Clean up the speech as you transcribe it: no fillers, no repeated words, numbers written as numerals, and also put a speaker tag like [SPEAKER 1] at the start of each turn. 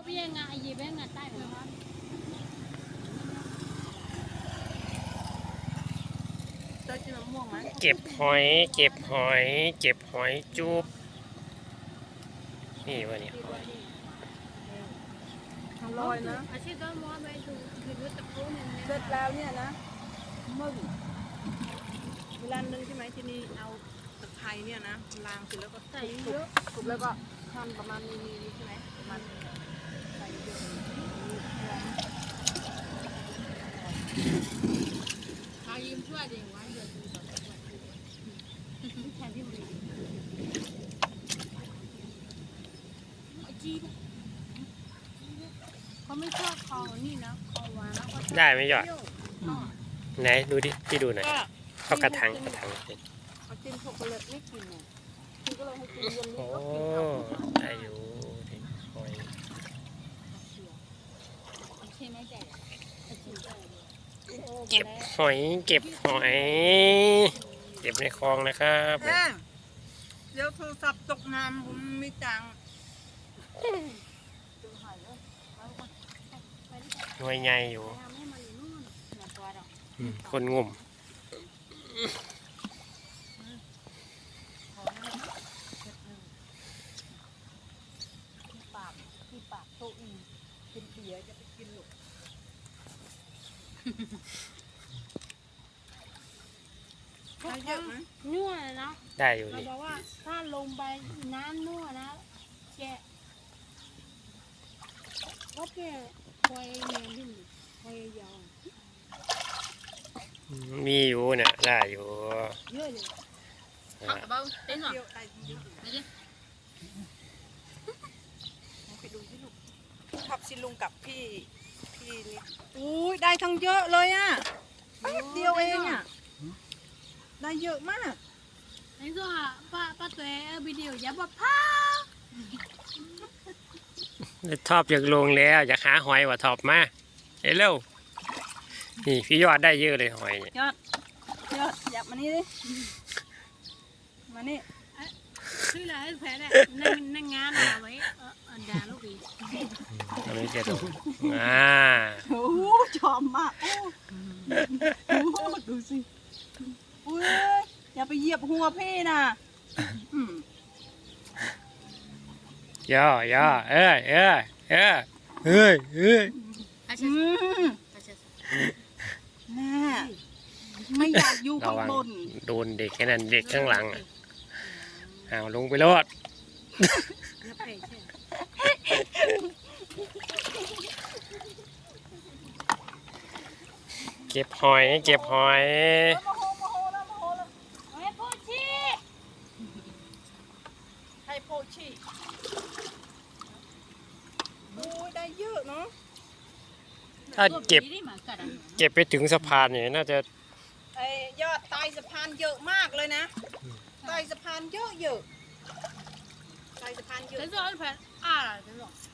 [SPEAKER 1] งายีเบ้งาใต้เหมือนกัน
[SPEAKER 2] เก็บหอยเก็บหอยเก็บหอยจุบนี่วะเนี่ย
[SPEAKER 3] อร่อยนะ
[SPEAKER 1] อาชีพก็ม้วนไปดูคือรู้ตะปูเนี่ย
[SPEAKER 3] เสร็จแล้วเนี่ยนะมึงเวลานึงใช่ไหมที่นี่เอาตะไคร้เนี่ยนะล้างเสร็จแล้วก็ใส่เยอะทุบแล้วก็หั่นประมาณนี้ใช่ไหมประมาณใส่เยอะ
[SPEAKER 1] ขายิ้มช่วยเด็กไว้เดี๋ยวดูต่อไปแทนที่มันจีเขาไม่ชอบคอนี่นะคอหวานแล้วก็
[SPEAKER 2] ได้ไหมยอดไหนดูดิที่ดูหน่อยเอากระถาง
[SPEAKER 3] เขากินช็อกโกแลตไม่กินเนี่ยคุณก็เลยให้กินเย็นนี้
[SPEAKER 2] โอ้
[SPEAKER 3] ก็กินเอา
[SPEAKER 2] ได้อยู่หอย
[SPEAKER 1] ใช่ไหมใจ
[SPEAKER 2] เก็บหอยเก็บหอยเก็บในคลองนะครับ
[SPEAKER 3] เดี๋ยวโทรศัพท์ตกน้ำผมไม่ตังค์
[SPEAKER 2] หน่วยใหญ่อยู่คนงม
[SPEAKER 3] ที่ปากโตอีกินเบียร์จะไปกินหรอกได้เยอะไหม
[SPEAKER 1] นัวเลยนะ
[SPEAKER 2] ได้อยู่
[SPEAKER 1] เรา
[SPEAKER 2] นี่
[SPEAKER 1] บอกว่าถ้าลงไปน้ำนัวนะแกะก็แกะคอยเนียนที่นี่คอยยาว
[SPEAKER 2] มีอยู่เนี่ยได้อยู่
[SPEAKER 1] เยอะเลย
[SPEAKER 2] อ่า
[SPEAKER 1] เบาเต้นหรอ
[SPEAKER 3] เยอะได้เยอะไปดูที่ลูกขับสิลุงกับพี่นี่อุ้ยได้ทั้งเยอะเลยอ่ะแป๊บเดียวเองอ่ะได้เยอะมาก
[SPEAKER 1] นี่ก็ป้าตัววิดีโอยับว่าพา
[SPEAKER 2] ทอบอยากลงแล้วอยากหาหอยว่ะทอบมาเร็วนี่พี่ยอดได้เยอะเลยหอยเนี่ย
[SPEAKER 3] ยอดยับมานี่ดิมานี่
[SPEAKER 1] คืออะไรแพ้เนี่ยนั่งงานเอาไว้ด่าลูกอีก
[SPEAKER 2] อันนี้จะดู
[SPEAKER 3] โอ้โหชอบมากโอ้โหดูสิอุ้ยอย่าไปเหยียบหัวพี่นะ
[SPEAKER 2] ย่เอ้ย
[SPEAKER 3] แม่ไม่อยากอยู่ข้างบน
[SPEAKER 2] โดนเด็กแค่นั้นเด็กข้างหลังเอาลงไปรอดเก็บหอย
[SPEAKER 1] ให้พ่อชี้
[SPEAKER 3] โอ้ยได้เยอะเนาะ
[SPEAKER 2] ถ้าเก็บไปถึงสะพานเนี่ยน่าจะ
[SPEAKER 3] ไอ้ยอดใต้สะพานเยอะมากเลยนะใต้สะพานเยอะใต้สะพานเยอะ
[SPEAKER 1] 这是二盘啊，这种。